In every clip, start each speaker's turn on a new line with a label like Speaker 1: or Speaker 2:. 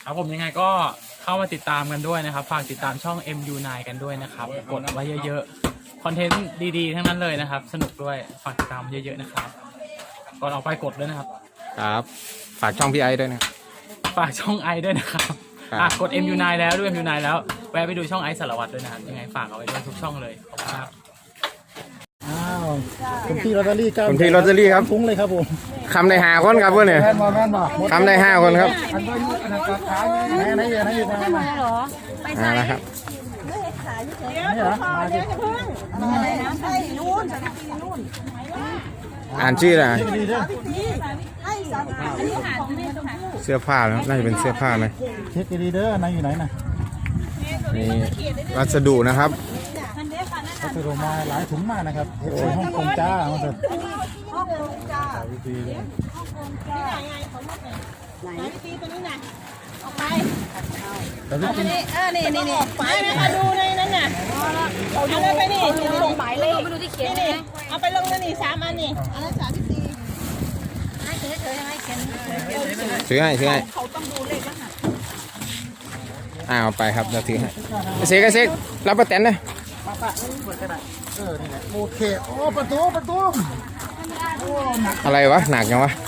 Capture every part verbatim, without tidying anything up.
Speaker 1: ครับผมยังไงก็เข้ามาติดตามกันด้วยนะครับฝากติดตามช่อง เอ็ม ยู ไนน์ กันด้วยนะครับกดไว้เยอะๆคอนเทนต์ดีๆทั้งนั้นเลยนะครับสนุกด้วยฝากติดตามเยอะๆนะครับก่อนออกไปกดด้วยนะครับ
Speaker 2: ครับฝากช่องพี่ไอด้วยนะ
Speaker 1: ฝากช่องไอด้วยนะครับอ่ะกด เอ็ม ยู ไนน์ แล้วด้วย เอ็ม ยู ไนน์ แล้วแวะไปดูช่องไอสารวัตรด้วยนะครับยังไงฝากเอาไว้ด้วยทุกช่องเลยขอบคุณครับ
Speaker 3: อ้าวคุณพี่ลอตเตอรี่เก้า
Speaker 2: คุณพี่ลอตเตอรี่ครับ
Speaker 3: ฟุ้งเลยครับผม
Speaker 2: คำได้ห้าคนครับเพื่อนเนี่ยคำได้ห้าคนครับ
Speaker 3: ไหนไหนเยอะไหนเยอะไหน
Speaker 4: เหรอไปใส่
Speaker 2: มาครับ
Speaker 3: นี่เหรอมาดิ
Speaker 4: อะไรนะใส่นู่นนู่น
Speaker 2: อ่านชื่อนะ
Speaker 3: ดีด้วย
Speaker 4: ให้สามอันนี้หาของแม่ต้องหา
Speaker 2: เสื้อผ้าแล้วน่าจะเป็นเสื้อผ้าไหม
Speaker 3: เช็คดีเด้อนายอยู่ไหนน่ะ
Speaker 2: นี่วัสดุนะครับ
Speaker 3: เขาสรุปมาหลายถุงมากนะครับเอฟซีฮ่องกงจ้ามาสิ
Speaker 4: ฮ่องกงจ้า
Speaker 3: ดีเลย
Speaker 4: ฮ่องกงจ้าไหนไหนตีตัวนี้ไหนออกไป
Speaker 3: แต่พี่กิน
Speaker 4: เออนี่นี่นี่ไปนะคะดูในนั้นน่ะเอาดูไปนี่ลงหมายเลขไปดูที่เขียนนี่เอาไปลงนั่นนี่สามอันนี่อันนั้นสามที่สี่ให้เฉยเฉยให้เขียน
Speaker 2: ซื้อให้ซื้อให้
Speaker 4: เขาต้องดูเลขรหัส
Speaker 2: อ่าเอาไปครับเราถือให้เซ็กเซ็กรับประแตนนะ
Speaker 3: ปะปะเปิดกระดาษเออนี่แหละโอเคโอ้ประตูประตูโอ้หนัก
Speaker 2: อะไรวะหนักยังวะ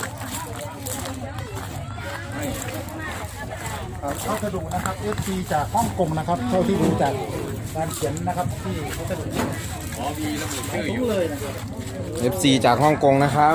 Speaker 3: เขาสรุปนะครับเอฟซีจากฮ่องกงนะครับเท่าที่ดูจากการเขียนนะครับที่เขาสรุปอ๋อมีระบุชื่ออยู่เลยนะครับ
Speaker 2: เอฟซีจากฮ่องกงนะครับ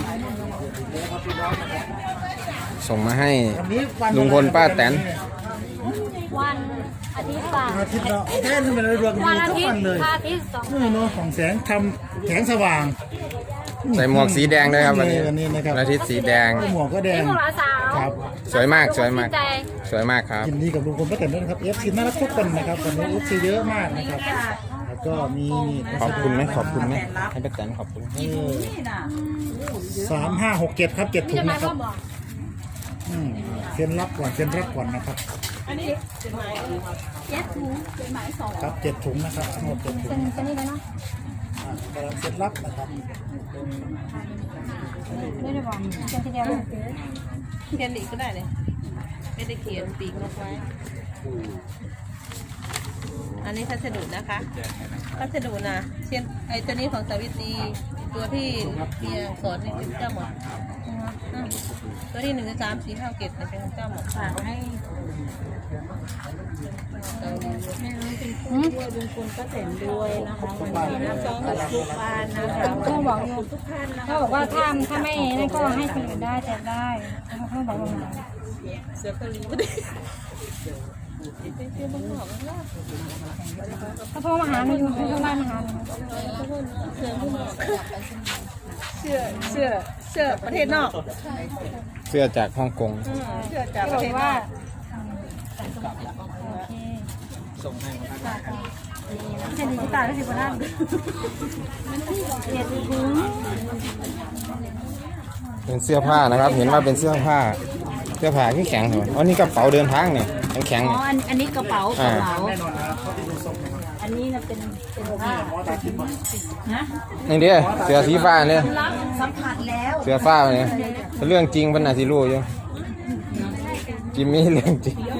Speaker 2: ส่งมาให้ลุงพลป้าแตน
Speaker 4: วันอาทิตย์ป่ะ
Speaker 3: อาทิตย์ละแค่นี้มันรวมกัน
Speaker 4: วันอา
Speaker 3: ทุก
Speaker 4: ทิต
Speaker 3: วัน
Speaker 4: ย์
Speaker 3: เลย
Speaker 4: อาทิตย์สอง
Speaker 3: นี่เนาะของแสงทำแสงสว่าง
Speaker 2: ใส่หมวกสีแดงด้วยครับวันนี้
Speaker 3: วันนี้นะครับ
Speaker 2: อาทิตย์สีแดง
Speaker 3: หมวกก็แดง
Speaker 4: นี่พวกเราสาว
Speaker 3: ครับ
Speaker 2: สวยมากสวยมากสวยมากครับ
Speaker 3: ยินดีกับลุงพลป้าแตนด้วยนะครับเอฟซีน่ารักทุกคนนะครับวันนี้เอฟซีเยอะมากนะครับแล้วก็มีนี่
Speaker 2: ขอบคุณไหมขอบคุณไหมให้ป้าแตนขอบคุณ
Speaker 3: สามห้าหกเจ็ดครับเจ็ดถุ
Speaker 4: จะ
Speaker 3: ง
Speaker 4: มา
Speaker 3: นะค
Speaker 4: พ่
Speaker 3: รั
Speaker 4: อบ บอก
Speaker 3: อืมเซ็นรับก่อนเซ็นรับก่อนนะครับ
Speaker 4: เจ็ดถุงเป็นหมายสอง
Speaker 3: ครับเจ็ดถุงนะครับทั้งหมดเจ็ดถุง
Speaker 4: เป็นเป็นนี่เลยเนาะ
Speaker 3: อ่ากำลังเซ็นรับนะครับ
Speaker 4: ไม่ได้บอกเป็นทีเดียวเลย
Speaker 5: เขียนอีกก็ได้เลยไม่ได้เขียนปีกนกไว้ อันนี้พัสดุนะคะพัสดุนะเช่นไอ้ตัวนี้ของสาวิตรีตัวที่เมียสอนนี่เป็นเจ้าหมดอืมตัวที่หนึ่งสามสี่ห้าเกตเป็นของเจ้าหมดฝากให้
Speaker 4: เขาบอกอยู่เขาบอกว่าถ้าถ้าไม่นั่นก็ให้คนอื่นได้แต่ได้เขาบอกว่า
Speaker 5: เสือเกาหลีไม่ได้เป็นเสื้อบางหอกนะ
Speaker 4: เขาโทรมาหาหนูอยู่เขาโทรมาหาหนู
Speaker 5: เสือบุ้งเสื้อเสื้อเสื้อประเทศนอก
Speaker 2: เสื้อจากฮ่องกง
Speaker 5: เสื้อจาก
Speaker 4: เขา
Speaker 5: ประ
Speaker 4: บอ
Speaker 5: เทศ
Speaker 4: ก
Speaker 5: น
Speaker 4: ว่า
Speaker 5: อก
Speaker 4: โอเคจะดีที่ตายก็สิบวันนั้นเกียรติคุ้ม
Speaker 2: เป็นเสื้อผ้านะครับ เห็นว่าเป็นเสื้อผ้าเสื้อผ้าที่แข็งเหรออ๋อนี่กระเป๋าเดินทางเนี่ยแข็งๆ
Speaker 6: อ๋อ
Speaker 2: เนี่ย
Speaker 6: อันอันนี้กระเป๋าก
Speaker 2: อ่า
Speaker 6: ระเป๋า
Speaker 3: แน่นอนนะครับเขาที่ดูทรงนะครับ
Speaker 6: อันนี้นะเป็นเป็นผ้า
Speaker 3: หมอตาทิพย์มา
Speaker 6: นะ
Speaker 2: นี่เด้อเสื้อสีฟ้าเนี่ย
Speaker 6: รับสัมผัสแล้ว
Speaker 2: เสื้อฟ้าเนี่ยเรื่องจริงเป็นอาชีรู้อยู่จิมมี่เรื่องจริง
Speaker 6: เดี๋ยว